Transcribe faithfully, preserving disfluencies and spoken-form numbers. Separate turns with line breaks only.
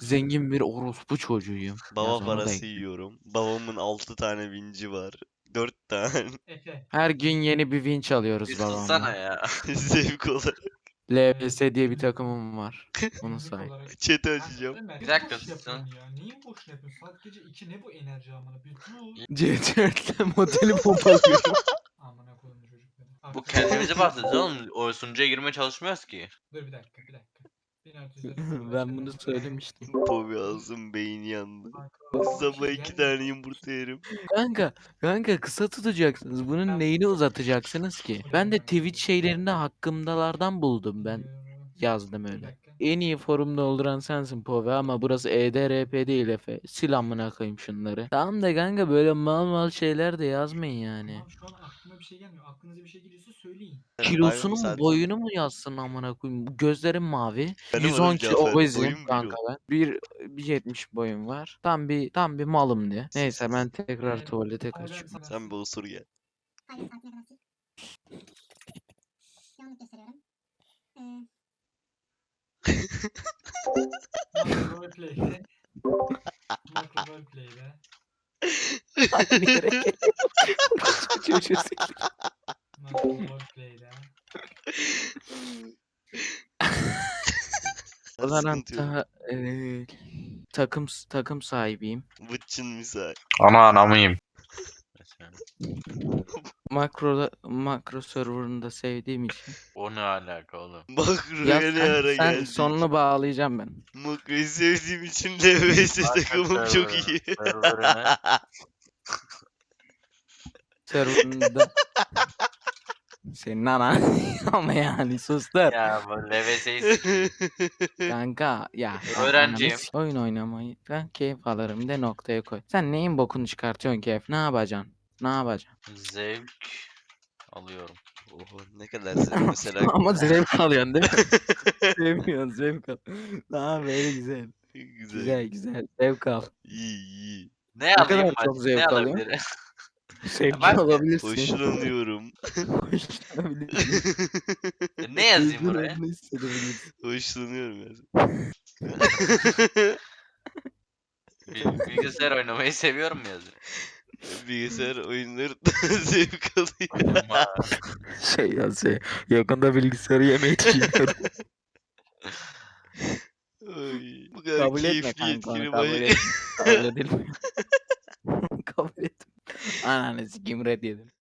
zengin bir orospu çocuğuyum.
Baba
Yaz onu da
parası
ekle.
yiyorum. Babamın altı tane vinci var. dört tane.
Efe.
Her gün yeni bir vinç
Bir
alıyoruz
sussana
babamla.
ya.
Zevk olarak.
L V S diye bir takımım var. Bunu
Günlük
say.
olarak.
Chat'i
Kanka
açacağım.
Ömer
Bir
bir
dakika
boş
sussun.
yapıyorsun ya. Niye boş yapıyorsun? Saat gece iki ne bu enerji amına? Bir dur.
C dörtle modeli pompalıyorum.
Amına koyayım çocukları.
Bu
Artık-
kendimize bahsediyoruz oğlum. O sunucuya girmeye çalışmıyoruz ki.
Dur bir dakika bir dakika. bin altı yüz elli
Ben bunu söylemiştim.
Pobi ağzım beyni yandı.
Kanka,
Sabah
şey
iki
gelmiyor.
tane yumurta yerim.
Kanka, kanka kısa tutacaksınız. Bunun neyini uzatacaksınız ki? Ben de Twitch şeylerinde hakkımdalardan buldum ben. Yazdım
Bir
öyle.
dakika.
En iyi forum dolduran sensin Pove ama burası E D R P değil Efe. Sil amına koyayım şunları. Tamam da kanka böyle mal mal şeyler de yazmayın yani.
Tamam şu an aklıma bir şey gelmiyor. Aklınıza bir şey geliyorsa söyleyin.
Kilosunu mu
zaten-
boyunu mu yazsın amına koyayım? Bu gözlerim mavi.
Benim
yüz on
adım
kilo
Cafer,
obezim
boyum bir
kanka
o.
ben. bir bir yetmiş boyum var. Tam bir tam bir malım diye. Neyse ben tekrar
Evet.
tuvalete
Hayır,
kaçıyorum.
ben-
Sen bir osur gel.
Hayır saatine kadar sil. Yanlış gösteriyorum. Ee,
Macro roleplay'de. Macro roleplay'de.
Aynı yere geliyor. Çocuğu sil.
Macro roleplay'de.
Sıkıntı yok.
Valorant'ta eee, takım takım sahibiyim.
Vıçın misal.
Ana anamıyım. Mesela.
Makro makro server'ını da sevdiğim için.
O ne alaka oğlum?
Bak
Ya
buraya ne ara
sen, sen
geldik.
sonunu bağlayacağım ben.
Makroyu sevdiğim için L V S takımım çok iyi.
Server'ını.
Server'ında senin anan ama yani sustur.
Ya bu L V S'yi
Kanka ya ben
Öğrenciyim.
ananı s- oyun oynamayı ben keyif alırım de noktaya koy. Sen neyin bokunu çıkartıyorsun keyif? Ne yapacaksın? Ne yapacaksın?
zevk alıyorum.
Oho ne kadar zevk mesela.
Ama zevk alıyorsun değil mi? Sevmiyorsun zevk al. Tamam böyle güzel.
Güzel.
Güzel güzel zevk al.
İyi iyi.
Ne
Ne kadar
alayım
çok
ben?
zevk
Ne
alıyorsun?
alabilirim?
Sevgi
Ben-
alabilirsin.
Hoşlanıyorum.
Hoşlanabilirsin.
Ne yazayım buraya?
Duygularını hissedebilirsin.
Hoşlanıyorum ya.
Bil- Bilgisayar oynamayı seviyorum mu yazayım?
Bilgisayar oyunları zevk alıyor.
Ama
Şey ya şey yakında bilgisayarı yemeyi düşünüyorum.
Ay, bu kadar
Kabul etme
keyifli
kanka onu
yetkili
kabul
baş...
et. Kabul edilmiyor. Kabul et. Ananı sikim red yedim.